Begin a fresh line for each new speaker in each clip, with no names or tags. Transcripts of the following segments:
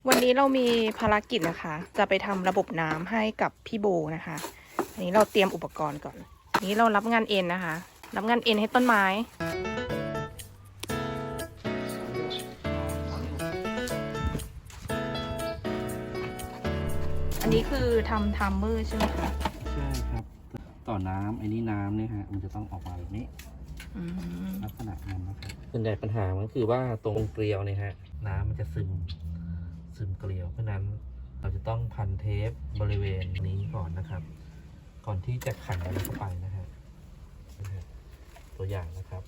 วันนี้เรามีภารกิจนะคะ จะไปทำระบบน้ำให้กับพี่โบนะคะ อันนี้เราเตรียมอุปกรณ์ก่อนอันนี้เรารับงานเอ็นนะคะ รับงานเอ็นให้ต้นไม้ อันนี้คือทำทัมเมอร์ใช่ไหมคะ
ใช่ครับ ต่อน้ำไอ้นี่น้ำเนี่ยฮะมันจะต้องออกมาแบบนี้ลักษณะนั้นนะครับส่วนใหญ่ปัญหามันคือว่าตรงเกลียวเนี่ยฮะน้ำมันจะซึมเกลียวเพราะนั้นเราจะต้องพันเทปบริเวณนี้ก่อนนะครับ ก่อนที่จะขันอะไรเข้าไปนะฮะตัวอย่างนะครับ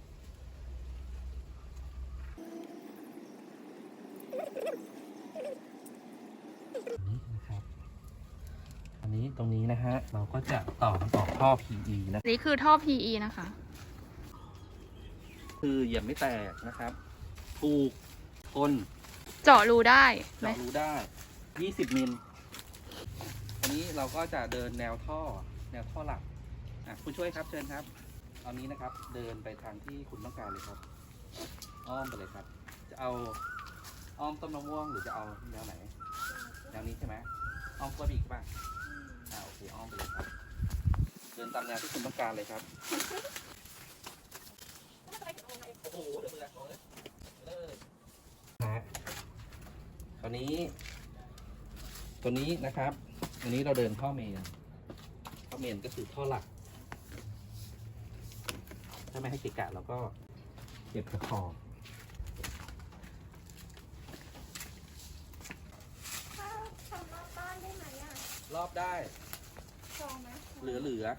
นี่นะครับอันนี้ตรงนี้นะฮะเราก็จะต่อท่อ PE นะ
นี่คือท่อ PE นะคะ
คือเหยียบไม่แตกนะครับถูกทน
เจาะรูได้ไหม
เจาะรูได้ 20 มิล อันนี้เราก็จะเดินแนวท่อหลักผู้ช่วยครับเชิญครับตอนนี้นะครับเดินไปทางที่คุณต้องการเลยครับ อ้อมไปเลยครับ จะเอาอ้อมต้นมะม่วงหรือจะเอาแนวไหน แนวนี้ใช่ไหมอ้อมกล้วยบีกป่ะโอเคอ้อมไปเลยครับ เดินตามแนวที่คุณต้องการเลยครับโอ้โหเดี๋ยวมือละเลยนะตัวนี้นะครับอันนี้เราเดินท่อเมนก็คือท่อหลักถ้าไม่ให้เกะกะเราก็เก็บกระขอบ
ทำรอบบ้านได้ไหมอ่ะ
รอบได้
จองไหม
เหลือ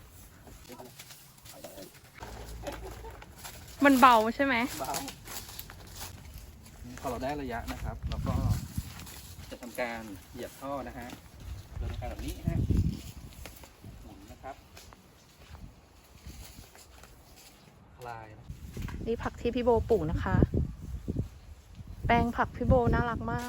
มันเบาใช่ไหม
เบาพอเราได้ระยะนะครับเราก็จะทำการเหยียบท่อนะฮะโดยการแบบนี้ฮะหมุนนะครับคลายนะ
นี่ผักที่พี่โบปลูกนะคะ แปลงผักพี่โบน่ารักมาก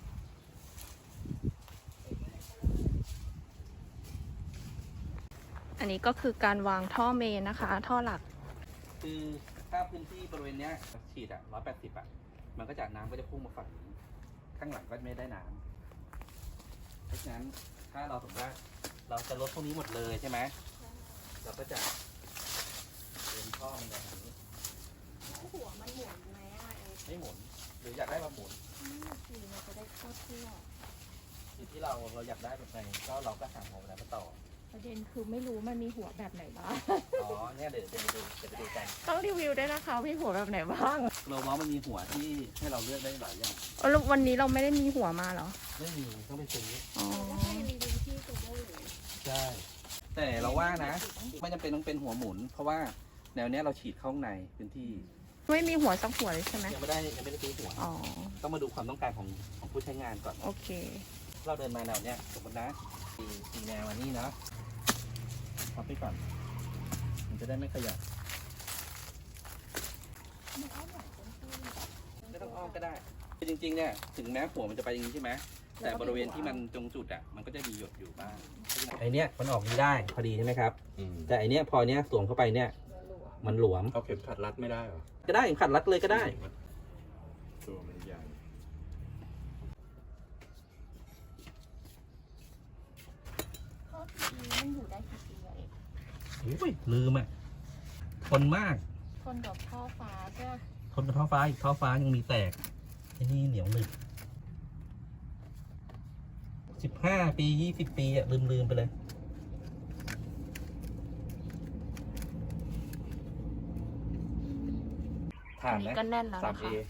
อันนี้ก็คือการวางท่อเมนนะคะ ท่อหลัก
คือถ้าพื้นที่บริเวณเนี้ยฉีด180มันก็จะน้ำก็จะพุ่งมาฝั่งนี้ข้างหลังก็ไม่ได้น้ำเพราะฉะนั้นถ้าเราสมมติว่าเราจะลดพวกนี้หมดเลยใช่ไหมเราก็จะเดินท่อมันแบบนี้
หัวมันหมุนไหมอ่ะ
ไม่หมุนหรืออยากได้แบบหมุน
สีมันจะได้เข้าทั่ว
อยู่ที่เราอยากได้แบบไหนก็เราก็หาหัวมันมาต่อ
ประเด็นคือไม่รู้มันมีหัวแบบไหนบ้าง
อ๋อเนี่ยเดี๋ยวไปดูกัน
ต้องรีวิวด้วยนะคะมีหัวแบบไหนบ้าง
เราเมาส์มันมีหัวที่ให้เราเลือกได้หลายอย่าง
แล้ววันนี้เราไม่ได้มีหัวมาเหรอ
ไม่มีต้องไปซื้อ
อ๋อ
ก็ให้รีวิวที่กูเกิลเลย
ใช่แต่เราว่านะไม่จำเป็นต้องเป็นหัวหมุน เพราะว่าแนวเนี้ยเราฉีดเข้าข้างในพื้นที่
ไม่มีหัวสักหัวเลยใช่ไหม
ยังไม่ได้ซื้อหัว
อ๋อ
ต้องมาดูความต้องการของผู้ใช้งานก่อน
โอเค
เราเดินมาแนวเนี้ยสมมตินะตีแนวอันนี้นะพับไปก่อนมันจะได้ไม่ขยับไม่ต้องอ้อมก็ได้คือจริงๆเนี่ยถึงแม้หัวมันจะไปอย่างนี้ใช่ไหมแต่บริเวณที่มันตรงจุดอ่ะมันก็จะมีหยดอยู่บ้างไอเนี้ยมันออกนี้ได้พอดีใช่ไหมครับแต่ไอเนี้ยพอเนี้ยสวมเข้าไปเนี่ยมันหลวม
เอาเข็มขัดรัดไม่ได้เหรอ
ก็ได้ขัดรัดเลยก็ได้
ตัวมันใหญ่
ข้อทีมันอยู่ได้กี่ปีอะเอก
อุ้ยลืมอ่ะทนมาก
คนกับท่อฟ้าใช่ไหม
ทนกับท่อฟ้าอีกท่อฟ้ายังมีแตกไอ้นี่เหนียวหนึบ15 ปี 20 ปีอ่ะลืมไปเลยผ่านไหม
ก็แน่นแล้วนะคะ
3A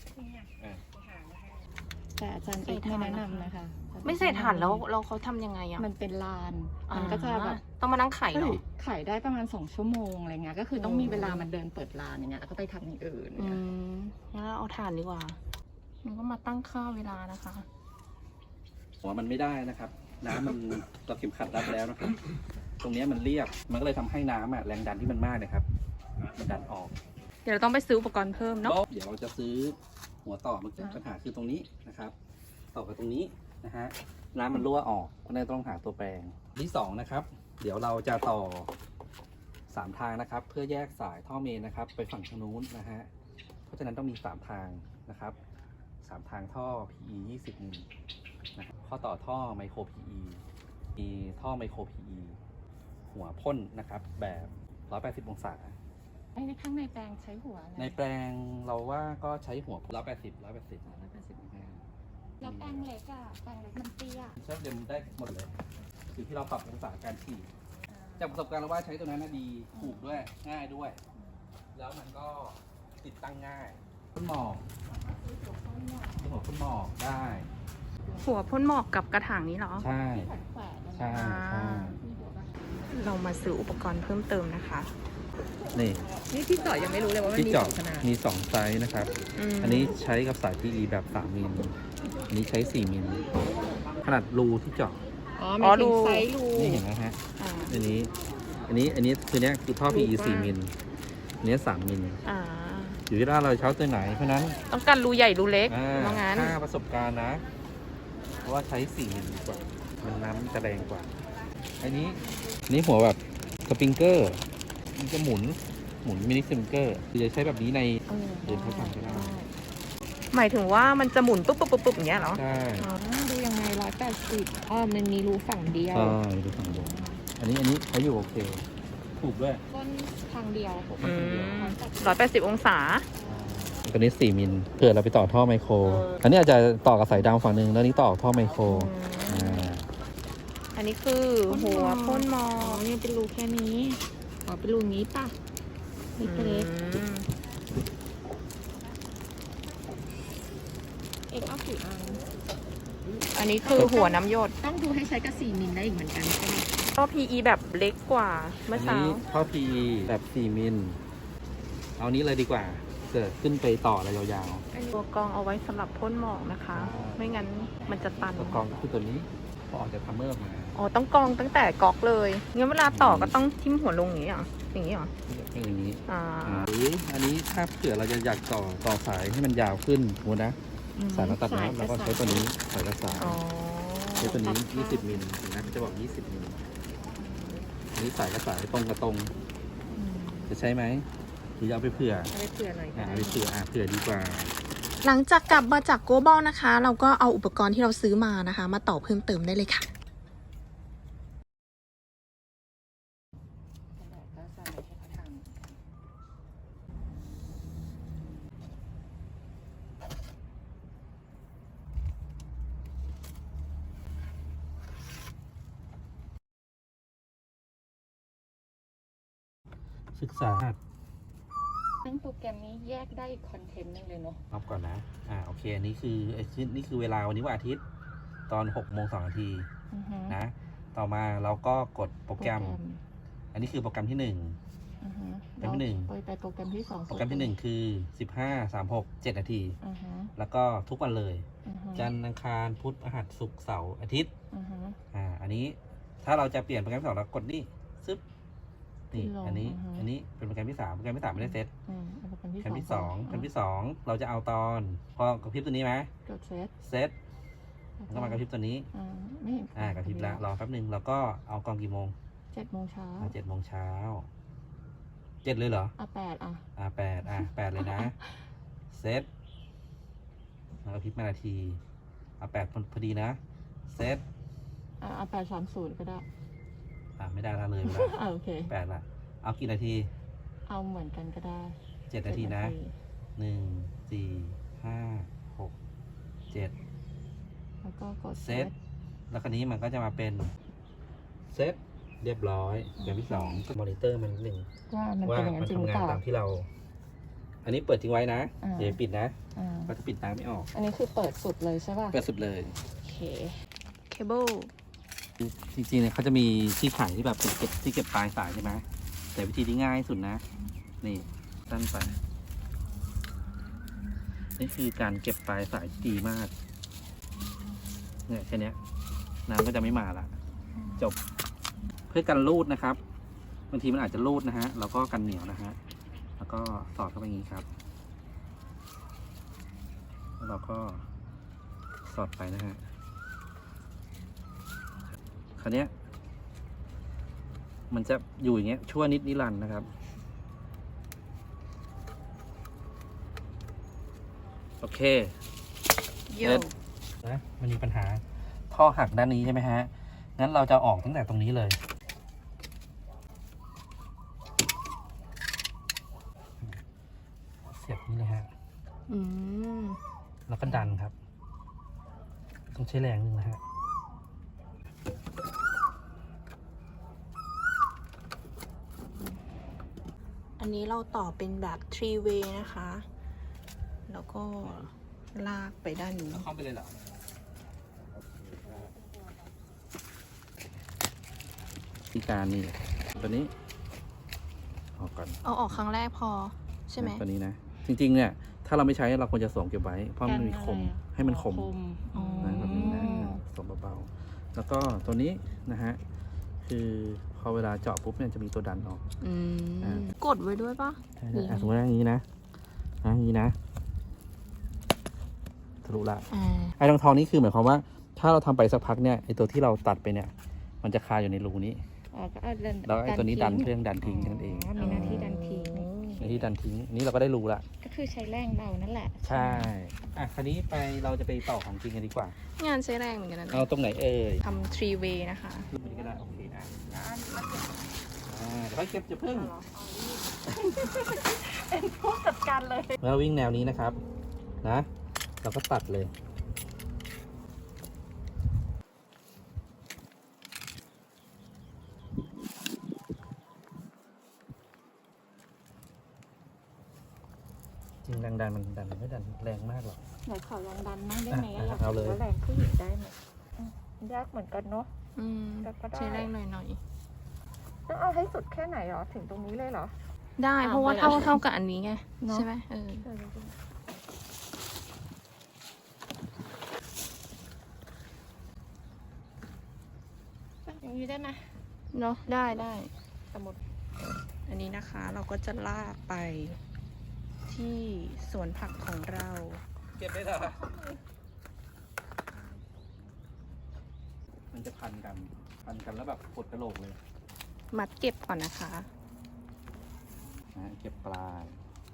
แต่อาจารย์เอกไม่แนะนำนะคะ
ไม่ใส่ถ่านแล้วเขาทำยังไงอ่ะ
มันเป็นลาน มันก็จะแบบ
ต้องมานั่งไข่เหรอ
ขายได้ประมาณ2 ชั่วโมงอะไรเงี้ย ก็คือต้องมีเวลามันเดินเปิดร้านอย่างเงี้ย แล้วก็ไปทำอย่างอื่น
งั้นเราเอาถ่านดีกว่า มันก็มาตั้งค่าเวลานะคะ
หัวมันไม่ได้นะครับ น้ำมันเราเข็มขัดรัดแล้วนะครับ ตรงเนี้ยมันเรียบ มันก็เลยทำให้น้ำอ่ะแรงดันที่มันมากนะครับ มันดันออก
เดี๋ยวเราต้องไปซื้ออุปกรณ์เพิ่มเนาะ
เดี๋ยวเราจะซื้อหัวต่อมันจะปัญหาคือตรงนี้นะครับ ต่อกับตรงนี้นะฮะน้ำมันรั่วออกเพราะฉะนั้นต้องหาตัวแปรงที่2นะครับ เดี๋ยวเราจะต่อ3ทางนะครับ เพื่อแยกสายท่อเมนนะครับ ไปฝั่งทางนู้นนะฮะเพราะฉะนั้นต้องมี3ทางนะครับ3ทางท่อ PE 20 มิลข้อต่อท่อไมโคร PE มีท่อไมโคร PE หัวพ่นนะครับ แบบ 180 องศา
ไอ้ในข้างในแปลงใช้หัวอะไร
ในแปลงเราว่าก็ใช้หัว 180
180แล้วแปลงเล็กอะแปลงเล็กมันเตี้ย
ใช้เดิมได้หมดเลยอยู่ที่เราปรับองศาการฉีดจากประสบการณ์เราว่าใช้ตัวนั้นนะดีถูกด้วยง่ายด้วย แล้วมันก็ติดตั้งง่ายพ่นหมอกหัวพ่นหมอกได้
หัวพ่นหมอกกับกระถางนี้เหรอ
ใช่
แขวนแขวนๆนะ
ใช่ใช่
เรามาซื้ออุปกรณ์เพิ่มเติมนะคะ
นี่
นี่ที่เจาะยังไม่รู้เลยว่ามัน
ที่
มี
เจาะ
สองขนาด
มี2ไซส์นะครับ อันนี้ใช้กับสาย PE แบบ 3 มิล อันนี้ใช้ 4 มิล ขนาดรูที่เจาะ
อ๋อ
อ๋อ
มี
รู
ไซส์รู
นี่เห็นไหมฮะ
อ่า
อันนี้คือเนี้ยคือท่อ PE 4 มิลอันนี้3 มิล
อ่า
อยู่ที่ว่าเราเช้าตัวไหน เพราะฉะนั้น
ต้องการรูใหญ่รูเล็ก
อ่า
ว่างั้น
ค่าประสบการณ์นะ เพราะว่าใช้ 4 มิลดีกว่า มันน้ำจะแรงกว่า อันนี้หัวแบบสปริงเกอร์ มันจะหมุนมินิสปริงเกอร์คือจะใช้แบบนี้ใน เดินเข้าไปก็ได้
หมายถึงว่ามันจะหมุนปุ๊บปุ๊บปุ๊บปุ๊บอย่างเงี้ยเหรอ
ใช่
อ๋อดูยังไง180อ๋อมันมีรูฝั่งเดียว
ใช่ดูฝั่งบนอันนี้ใช้อยู่โอเค ถูกด้วย
ก้นทางเดียว
อืม180 องศา
ตัวนี้ 4 มิลเผื่อเราไปต่อท่อไมโคร อันนี้อาจจะต่อกับสายดาวฝั่งหนึ่งแล้วนี้ต่อท่อไมโคร
อันนี้คือหัวพ่นหมอ
อ๋อก นี่เป็นรูแค่นี้อ๋อเป็นรูนี้ป่ะเล็ก
อืม
ๆเอกเอากี่อัน
อันนี้คือหัวน้ำหยด
ต้องดูให้ใช้กับ4มิลได้อีกเหมือนกันใช่ไหม
ก็ PE แบบเล็กกว่าเมื่อ
อัน
เช้า
นี้ท่อ PE แบบ 4 มิล เอานี้เลยดีกว่าเกิดขึ้นไปต่ออะไรยาว
ตัวกรองเอาไว้สำหรับพ่นหมอกนะคะ ไม่งั้นมันจะตัน
ๆตัวกรองก็คือตัวนี้พอออกจากทัมเมอร์มา
อ๋อ ต้องกรองตั้งแต่ก๊อกเลย งั้นเวลาต่อก็ต้องทิ่มหัวลงอย่างนี้เหรอ อย่างนี้เหรอ
เป็นอย่างนี้
อ่า
หรืออันนี้ถ้าเผื่อเราจะอยากต่อสายให้มันยาวขึ้นสมมตินะ สายเราตัดนะเราก็ใช้ตัวนี้สายกระสาย
อ๋อ
ใช้ตัวนี้ 20 มิลเห็นไหมเขาจะบอก 20 มิลอันนี้สายกระสายตรงกับตรง จะใช้ไหมหรือจะเอาไปเผื่อ
เอาไปเผื่อหน่อย
เอาไปเผื่อดีกว่า
หลังจากกลับมาจากโกบอลนะคะ เราก็เอาอุปกรณ์ที่เราซื้อมานะคะ มาต่อเพิ่มเติมได้เลยค่ะ
ก็ใส่ให้เขาทำ
ศึกษา
ซึ่งโปรแกรมนี้แยกได้อีกคอนเทนต์หนึงเลยเนาะ
นับก่อนนะ โอเค อันนี้คือนี่คือเวลาวันนี้วันอาทิตย์ ตอน6 โมง 2 นาที นะ ต่อมาเราก็กดโปรแกรม อันนี้คือโปรแกรมที่ โปรแกรมที่หนึ่ง
ไปโปรแกรมที่2
1 โปรแกรมที่ 1 คือ 15 36 7 นาที
อือฮึ
แล้วก็ทุกวันเลย
อือฮึ
จันทร์อังคารพุธพฤหัสศุกร์เสาร์อาทิตย์
อือฮึ
อันนี้ถ้าเราจะเปลี่ยนโปรแกรมที่ 2 เรากดนี่ซึบนี่
ขึ้นลง
อันนี้
อือฮึ
อันนี้เป็นโปรแกรมที่ 3 โปรแกรมที่ 3 ไม่ได้เซต
เอาโปรแกรม
โปรแกรมที่
ก่อน
2โปรแกรมที่ 2 เราจะเอาตอนพอกระพริบตัวนี้ไหม
กดเซต
เซตแล้วก็มากระพริบตัวนี้
ไม่เห็น
กระพริบแล้วรอแป๊บหนึ่งแล้วก็เอากองกี่โมง
7 โมงเช้า
7 โมงเช้า 7 เลยเหรอ
8
8เลยนะ เซตแล้วก็พริบมานาที8พอดีนะ เซต
8:30ก็ได้
ไม่ได้ละเลยไปละ
โอเค
8ละเอากี่นาที
เอาเหมือนกันก็ได้
7 นาทีนะ 1 4 5 6 7
แล้วก็กด
เซต แล้วคราวนี้มันก็จะมาเป็นเซตเรียบร้อยอย่างที่2มอนิเตอร์มันนิดนึง
ว่ามัน
ว่า
เป็นอย่างนั้
มัน น
จริงหรือ
ทำงา
เป
น
ล่า
ตามที่เรา อันนี้เปิดทิ้งไว้นะ
อ่า
เดี๋ยวปิดนะ
อ่า
ก็จะปิดตามไม่ออก
อันนี้คือเปิดสุดเลยใช่ป่ะ
เปิดสุดเลย
โอเค
เคเบิล
จริงๆเนี่ยเขาจะมีที่ขายที่แบบเป็นที่เก็บปลายสายใช่ไหมแต่วิธีที่ง่ายที่สุดนะ นี่สั้นไปนี่คือการเก็บปลายสายที่ดีมากเนี่ยแค่เนี้ยน้ำก็จะไม่มาละจบเพื่อกันรูดนะครับบางทีมันอาจจะรูดนะฮะเราก็กันเหนียวนะฮะแล้วก็สอดเข้าไปอย่างนี้ครับแล้วเราก็สอดไปนะฮะคราวเนี้ยมันจะอยู่อย่างเงี้ยชั่วนิดนิรันดร์นะครับโอเค
โย
นะมันมีปัญหาท่อหักด้านนี้ใช่ไหมฮะ งั้นเราจะออกตั้งแต่ตรงนี้เลย เสียบนี้เลยฮะ
อืม
แล้วก็ดันครับ ต้องใช้แรงหนึ่งนะฮะ
อันนี้เราต่อเป็นแบบ three way นะคะ แล้วก็ลากไปด้านนี้
เข้าไปเลยเหรอที่การนี่ตัวนี้ออกก่อน
เอาออกครั้งแรกพอใช่ไหม
ตัวนี้นะ จริงๆ เนี่ย ถ้าเราไม่ใช้เราควรจะสวมเก็บไว้ เพราะมันมีคม ให้มันคม
อ๋อ
นะแบบนี้นะสวมเบาๆ แล้วก็ตัวนี้นะฮะ คือพอเวลาเจาะปุ๊บเนี่ยจะมีตัวดันออก
อืม กดไว้ด้วยปะ หรือ
สมมติว่าอย่างนี้นะอย่างนี้นะทะลุละ
อ่า
ไอ้ทองนี้คือหมายความว่า ถ้าเราทำไปสักพักเนี่ยไอ้ตัวที่เราตัดไปเนี่ย มันจะคาอยู่ในรูนี้
อ๋อก็เอาดัน
แล้วไอ้ตัวนี้ดันเครื่องดันทิ้งนั่นเอง
มีหน้าที่ดันทิ้ง
ในที่ดันทิ้งอันนี้เราก็ได้รูละ
ก็คือใช้แรงเรานั่นแหละ
ใช่อ่ะคราวนี้ไปเราจะไปต่อของจริงกันดีกว่า
งานใช้แรงเหมือนกันนะ
เอาตรงไหนเอ่ย
ทำ three way นะคะ
รูปนี้ก็ได้โอเคอ่ะเดี๋ยวค่อยเก็บจะพึ่ง
เป็นผู้จัดการเลย
เมื่อวิ่งแนวนี้นะครับนะเราก็ตัดเลยจริงแรงดันมันดันไม่ดันแรงมากหรอก
ไหนขอลองดันมั่งได้ไหม
อ่ะ
อยาก
เอาเลย
รู้ว่าแรงผู้หญิงได้ไหมยากเหมือนกันเนาะ
อืม
แต่ก็ได้
ใช้แรงหน่อย
ต้องเอาให้สุดแค่ไหนหรอถึงตรงนี้เลยเหรอ
ๆ ได้เพราะว่าเท่ากับอันนี้ไง
เนอะ
ใช่ไหมเออ
อย่างนี้ได้ไหม
เนาะได้ได้
สมมติ
อันนี้นะคะเราก็จะลากไปที่สวนผักของเรา
เก็บได้เหรอมันจะพันกันแล้วแบบปวดกระโหลกเลย
มัดเก็บก่อนนะคะ
นะเก็บปลาย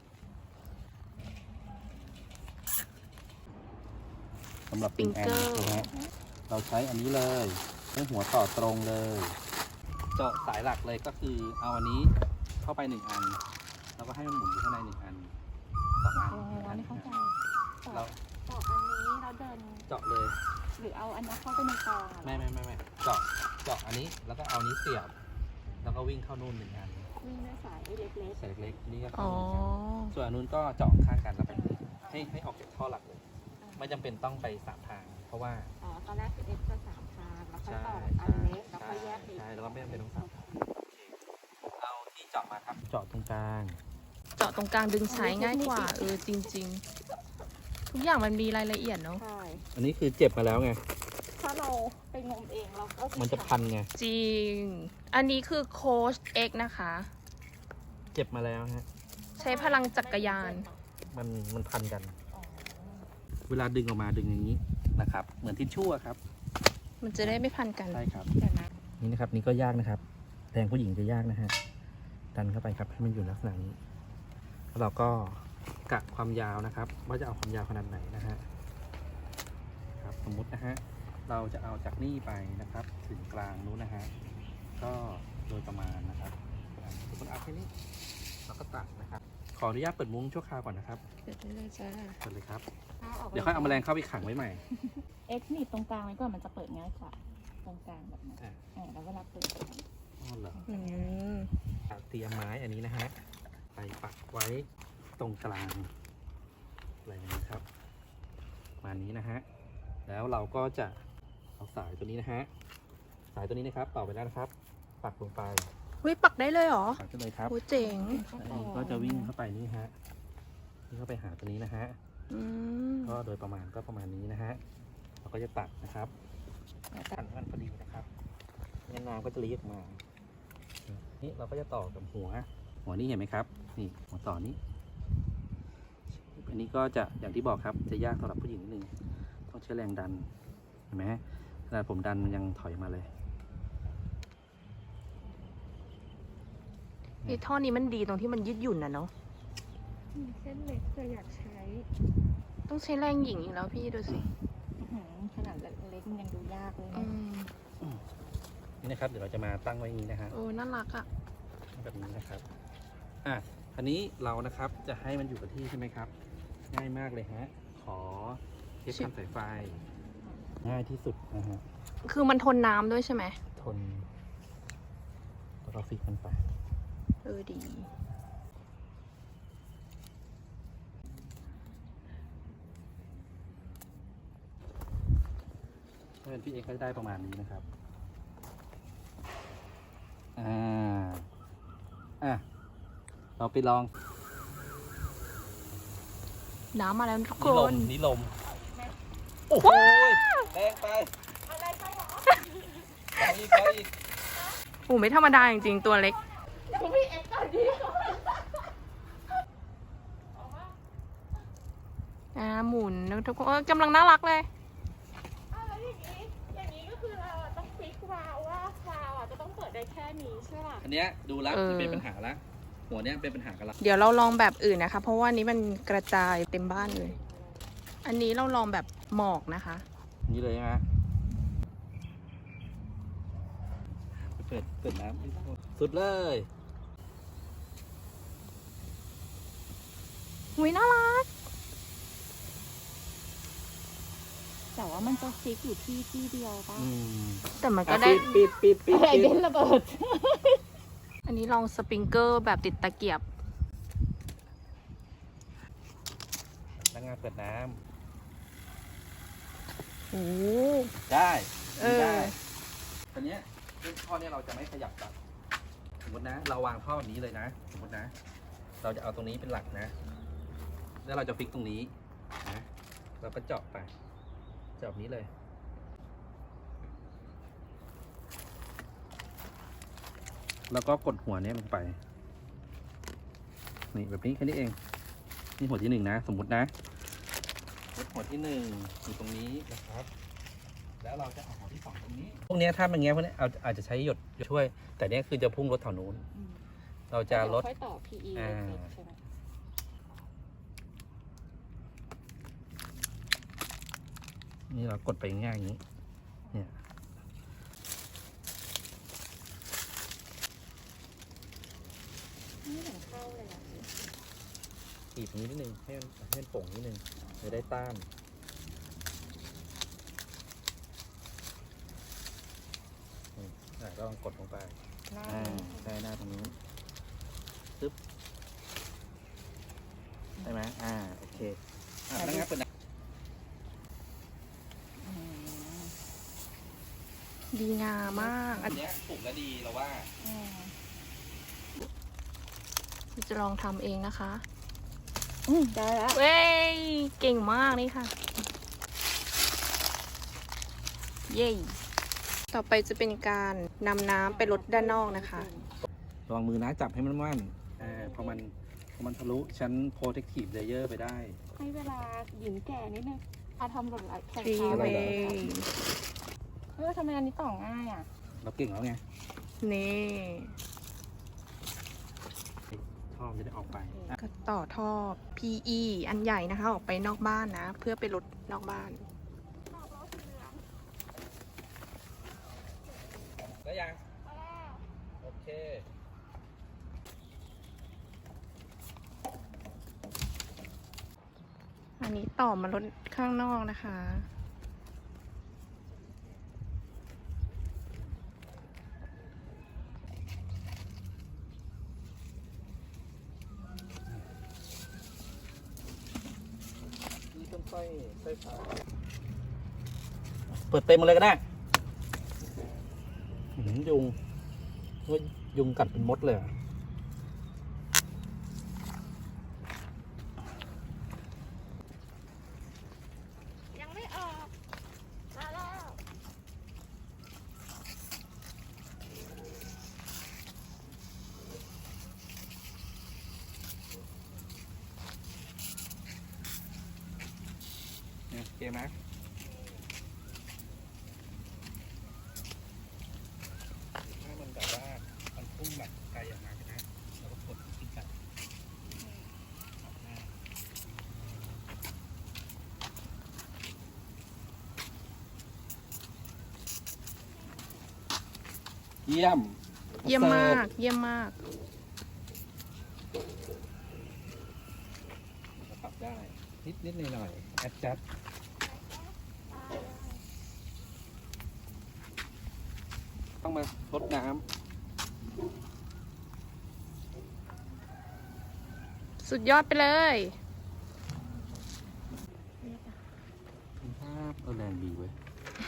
สำหรับปิงแอน
Finger
นะฮะเราใช้อันนี้เลยใช้หัวต่อตรงเลย เจาะสายหลักเลยก็คือเอาอันนี้เข้าไป1 อัน แล้วก็ให้มันหมุนอยู่ข้างใน1 อัน2 อัน
อ๋อไม่เข้าใจ
เรา
ต่ออันนี้เราเดิน
เจาะเลย
หรือเอาอันนี้เข้าไปในกองอะ
ไม่เจาะอันนี้แล้วก็เอานี้เสียบ แล้วก็วิ่งเข้านู่น1 อัน
วิ่งด้วยสายเล็ก
สายเล็กๆนี่ก็
อ๋
เข้า
อ
1 อันส่วนอันนู้นก็เจาะข้างกันแล้วแบบนี้ให้ออกจากท่อหลักเลย ไม่จำเป็นต้องไป3 ทาง เพราะว่า
ๆอ๋อตอนแรกคือเอ็กซ์จะ3 ทางแล้วค่อย
ใช่
ต่ออันเล็กแล้วค่อยแยกอีก
ใช่แล้วก็ไม่จำเป็นต้อง3 ทางเอาที่เจาะมาครับเจาะตรงกลาง
เจาะตรงกลางดึงใช้ง่ายกว่า จริง ๆ ทุกอย่างมันมีรายละเอียดเนาะ
ใช่
อันนี้คือเจ็บมาแล้วไง
ถ้าเราไปงมเองเราก็
มันจะพันไง
จริง อันนี้คือโค้ช X นะคะ
เจ็บมาแล้วฮะ
ใช้พลังจักรยาน
มันพันกัน
อ๋อ
เวลาดึงออกมาดึงอย่างนี้นะครับ เหมือนทิชชู่อะครับ
มันจะได้ไม่พันกัน
ใช่ครับ
เดี๋ยวนะ
นี่นะครับนี่ก็ยากนะครับแรงผู้หญิงจะยากนะฮะดันเข้าไปครับให้มันอยู่ลักษณะนี้แล้วเราก็กะความยาวนะครับ ว่าจะเอาความยาวขนาดไหนนะฮะครับสมมุตินะฮะเราจะเอาจากนี่ไปนะครับ ถึงกลางนู้นนะฮะก็โดยประมาณนะครับสมมติเอาแค่นี้เราก็ตัดนะครับ ขออนุญาตเปิดมุ้งชั่วคราวก่อนนะครับ
เดี๋ยวได้เลยจ้า
เปิดเลยครับ
เอาออก
เดี๋ยวค่อยเอาแมลงเข้าไปขังไว้ใหม่
เอ็กซ์หนีบตรงกลางไว้ก่อนมันจะเปิดง่ายกว่าตรงกลางแบบนั้น
อ่ะ
แล้วเวลาเปิด
อ๋อเหรอ
อืม
เตรียมไม้อันนี้นะฮะไปปักไว้ตรงกลางอะไรอย่างนี้ครับประมาณนี้นะฮะแล้วเราก็จะเอาสายตัวนี้นะฮะสายตัวนี้นะครับต่อไปแล้วนะครับ ปักลงไป
วิปักได้เลยเหรอ
ปักได้เลยครับ
โอ้เจ๋ง
อันนี้ก็จะวิ่งเข้าไปนี่ฮะวิ่งเข้าไปหาตัวนี้นะฮะ
อืม
ก็โดยประมาณก็ประมาณนี้นะฮะเราก็จะตัดนะครับตัดให้มันพอดีนะครับงั้นน้ำก็จะลีออกมานี่เราก็จะต่อกับหัวนี่เห็นไหมครับนี่หัวต่อนี้ อันนี้ก็จะอย่างที่บอกครับจะยากสำหรับผู้หญิงนิดนึงต้องใช้แรงดันเห็นไหมขนาดผมดันมันยังถอยมาเลย
ไอ้ท่อนี้มันดีตรงที่มันยืดหยุ่นนะเนาะ
เส้นเล็กจะอยากใช้
ต้องใช้แรงหญิงอีกแล้วพี่ดูสิ
ขนาดเล็กมันยังดูยากากเลย
อื
นะ
ม
นี่นะครับ เดี๋ยวเราจะมาตั้งไว้อย่างนี้นะฮะ
โอ้น่ารักอ่ะ
แบบนี้นะครับอันนี้เรานะครับจะให้มันอยู่กับที่ใช่ไหมครับ ง่ายมากเลยฮะ ขอเทปทำสายไฟ ง่ายที่สุดนะฮะ
คือมันทนน้ำด้วยใช่ไหม
ทนแล้วก็ฟิกมันไป
ดี
ถ้าเป็นพี่เอ็กซ์ก็จะได้ประมาณนี้นะครับ เราไปลอง
น้ำมาแล้วทุกค
นี่ลม
น
นี่ลม โอ้โหแรงไปอะไรไปหรอไปอีก
โอ้ไม่ธรรมดาจริงๆ ตัวเล็กหมุนนะทุกคนกำลังน่ารักเลย
แล้วอย่างนี้ก็คือเราต้องฟิกวาล์วว่าวาล์วจะต้องเปิดได้แค่นี้ใช่ป่ะ
อันเนี้ยดูแล้ว
เออ
จะเป็นปัญหาละหัวเนี้ยเป็นปัญหากันละ
เดี๋ยวเราลองแบบอื่นนะคะ เพราะว่านี้มันกระจายเต็มบ้านเลย อันนี้เราลองแบบหมอกนะคะ
นี่เลยฮะเปิดน้ำสุดเลย
หุยน่ารัก
แต่ว่ามันจะฟิกอยู่ที่เดียวป่ะ
แต่มันก็ได้
ปิด
ไอเบนระเบิด
อันนี้ลองสปริงเกอร์แบบติดตะเกียบ
แล้วงานเปิดน้
โอ้
ำได้
เออ
ได้ตอนเนี้ยท่อเนี้ยเราจะไม่ขยับตัดสมมตินะ เราวางท่อแบบนี้เลยนะ สมมตินะ เราจะเอาตรงนี้เป็นหลักนะ แล้วเราจะฟิกตรงนี้นะเราก็เจาะไปเจาะแบบนี้เลย แล้วก็กดหัวเนี้ยลงไป นี่แบบนี้แค่นี้เอง นี่หัวที่หนึ่งนะ สมมุตินะหัวที่หนึ่งอยู่ตรงนี้นะครับ แล้วเราจะเอาหัวที่สองตรงนี้ พวกเนี้ยถ้ามันเงี้ยพวกเนี้ยอาจจะใช้หยดช่วย แต่เนี้ยคือจะพุ่งรถแถวนู้น เราจะลด
ค่อยต่อ PE
อ่า
ใช่ไหม
นี่เรากดไปง่ายอย่างนี้ เนี่ย
ไม่เห็นเข้าเลยอะ
บีบตรงนี้นิดนึงให้มันโป่งนิดนึงจะได้ต้านก็ลองกดลงไป
หน้า
ใช่หน้าตรงนี้ปึ๊บใช่ไหมโอเคแล้วงั้นเปิด
ดีงามมาก
อันเนี้ยปลูกแล้วดีเราว่า
จะลองทำเองนะคะ
ได้แล้ว
เว้ย เก่งมากนี่ค่ะ เย้ต่อไปจะเป็นการนำน้ำไปลดด้านนอกนะคะ
ระวังมือนะจับให้มันมั่นพอมันทะลุชั้น protective layer ไปได้
ให้เวลาหญิงแก่นิดนึงทำหล่นไหลแข่ง
ฟรี
ขา
เว
เลย
ย์
ทำไมอันนี้ต่อง่ายอ่ะ
เราเก่งแล้วไง
นี่
ท่อมันจะได้ออกไป
ก็ต่อท่อ PE อันใหญ่นะคะ ออกไปนอกบ้านนะ เพื่อไปลดนอกบ้าน
แล้วยังโอเค
อันนี้ต่อมาลดข้างนอกนะคะ
นี่ต้องค่อยผ่าเปิดเต็มมาเลยก็ได้ยุงว่ายุงกัดเป็นมดเลยอะ
ยังไม่ออกมาแล้ว
เนี่ยโอเคไหมถ้ามันแบบว่ามันพุ่งแบบไกลออกมาใช่ไหมเราก็กดขึ้นไปออกหน้าเยี่ยม
เยี่ยมมาก เยี่ยมมาก
ปรับได้ นิดหน่อยๆ adjust ต้องมาลดน้
สุดยอดไปเลย
ำภาพแรงดีเว้ย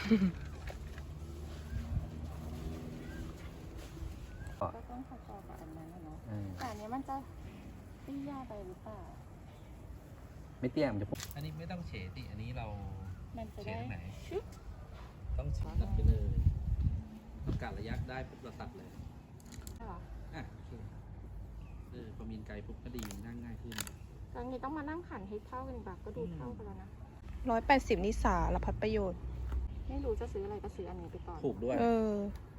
ก็ต้องพอๆกับอันนั้นนะเนาะแต่อันนี้มันจะเตี้ยไปหรือเปล่า
ไม่เตี้ยมจะปุ๊บอันนี้ไม่ต้องเฉดดิอันนี้เรา
มันจะ
เฉด
ได้
ตรงไหน
ชึบ
ต้องตัดไปเลยต้องการระยะได้ปุ๊บเราตัดเลย
เหรอ
อ่ะโอเคพอมีนไกลปุ๊บก็ดีนั่งง่ายขึ้น
ตอนนี้ต้องมานั่งขันให้เท่ากันอีกแบบก็ดูเท่ากันแล้วนะ
180 นิสาละพัดประโยชน์
ไม่รู้จะซื้ออะไรก็ซื้ออันนี้ไปก่อน
ถูกด้วย
เออ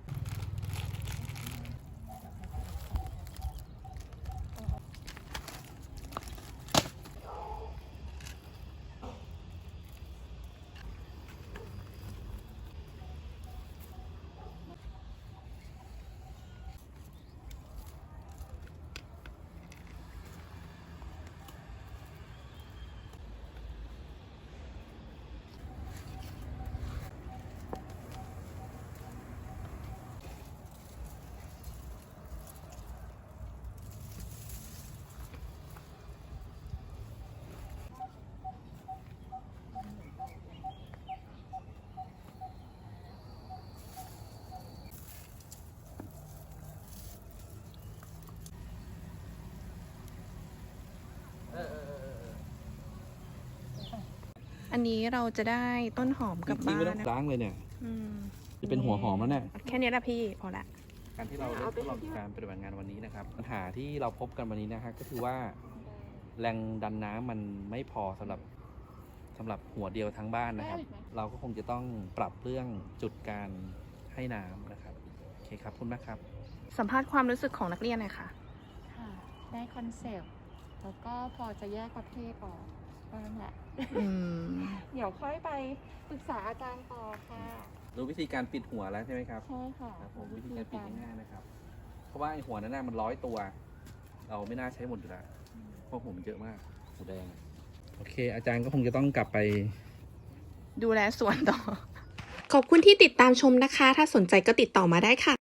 อันนี้เราจะได้ต้นหอมกลับ
จริง
บ้า
ๆไม่
น
ต้อง
นะ
ล้างเลยเนี่ย
อืม
จะเป็นหัวหอมแล้วเนี่ย
แค่นี้ละพี่ พอละ
การที่เราได้ทดลองการปฏิบัติงานวันนี้นะครับ ปัญหาที่เราพบกันวันนี้นะฮะก็คือว่า แรงดันน้ำมันไม่พอสำหรับหัวเดียวทั้งบ้านนะครับ เราก็คงจะต้องปรับเรื่องจุดการให้น้ำนะครับโอเคครับขอบคุณมากครับ
สัมภาษณ์ความรู้สึกของนักเรียนหน่อยค่ะ
ค่ะ ได้คอนเซปต์ แล้วก็พอจะแยกประเภทออกก็นั่นแหละ
อืม
เดี๋ยวค่อยไปปรึกษาอาจารย์ต่อค่ะ
รู้วิธีการปิดหัวแล้วใช่ไหมครับ
ใช่ค่ะ
ครับผมวิธีการปิดง่ายๆนะครับ เพราะว่าไอหัวนั้นน่ะมัน100 ตัว เราไม่น่าใช้หมดอยู่แล้วเพราะหัวมันเยอะมากหัวแดงโอเค อาจารย์ก็คงจะต้องกลับไป
ดูแลสวนต่อ
ขอบคุณที่ติดตามชมนะคะ ถ้าสนใจก็ติดต่อมาได้ค่ะ